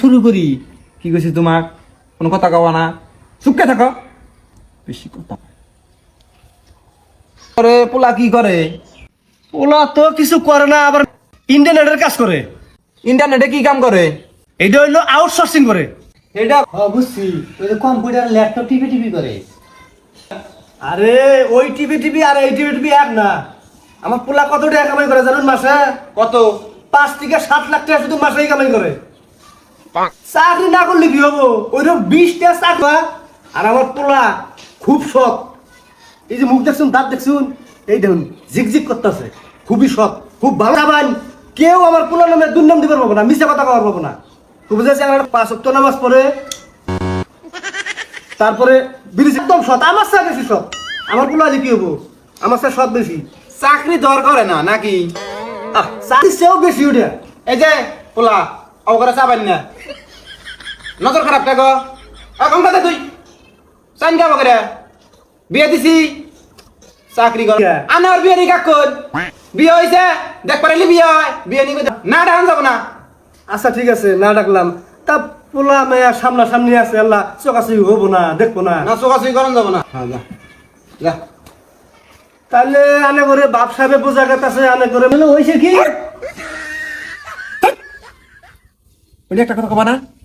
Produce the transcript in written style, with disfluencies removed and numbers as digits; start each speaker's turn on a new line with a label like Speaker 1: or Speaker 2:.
Speaker 1: শুরু করি কি কইছি তোমাক কোনো কথা কওয়া না চুপকে থাকো বেশি কথা করে পোলা কি করে
Speaker 2: ওলা তো কিছু করে না আবার ইন্টারনেটের কাজ করে
Speaker 1: ইন্টারনেটে কি কাম করে
Speaker 2: এটা হইলো আউটসোর্সিং করে
Speaker 1: এটা
Speaker 3: বুঝছি ওই যে কম্পিউটার ল্যাপটপ টিপি টিপি করে।
Speaker 2: আরে ওই টিভি টিভি আর এই টিভি টিভি এক না আমার পোলা কত টাকা কামাই করে জানেন মাসে
Speaker 1: কত
Speaker 2: 5 থেকে 7 লাখ টাকা শুধু মাসেই কামাই করে চাকরি না করলে কি হবো ওইরকম 20টা চাকরা আর আমার পোলা খুব শখ এই যে মুখ দেখছুন দাঁত দেখছুন এই দেখুন ঝিকঝিক করতেছে খুবই শখ খুব ভালো খাবান কেউ আমার পোলা নামে দুর্নাম দিতে পারবো না মিশা কথা কওয়ার পাবো না তো বুঝেছি আমার 5 ওয়াক্ত নামাজ পড়ে তারপরে বিড়ি একদম সৎ আমার সাথে বেশি সৎ আমার পোলা কি হবো আমার সাথে সৎ বেশি
Speaker 1: চাকরি দর করে না নাকি
Speaker 2: চাকরি সেও বেশি ওটা
Speaker 1: এই যে পোলা অবকরা চাবান না নজর খারাপ থাকো এখন কথা তুই চাইন খাবো করে বিয়ে দিছি চাকরি কর আনার বিয়ে নি কাকুন বিয়ে হয়েছে দেখ পারিলি বিয়ে হয় বিয়ে নি না ডান যাবো না
Speaker 2: আচ্ছা ঠিক আছে না ডাকলাম তা পোলা মেয়া সামনাসামনি আছে আল্লাহ চোখাচুকি হবো না দেখবো না
Speaker 1: না চোখাচুকি করেন যাবো না হ্যাঁ যা যা
Speaker 2: তাহলে আনে করে বাপ সাহেবে বোঝা গেছে আনে করে
Speaker 3: হয়েছে কি
Speaker 1: ওই একটা কথা কবা না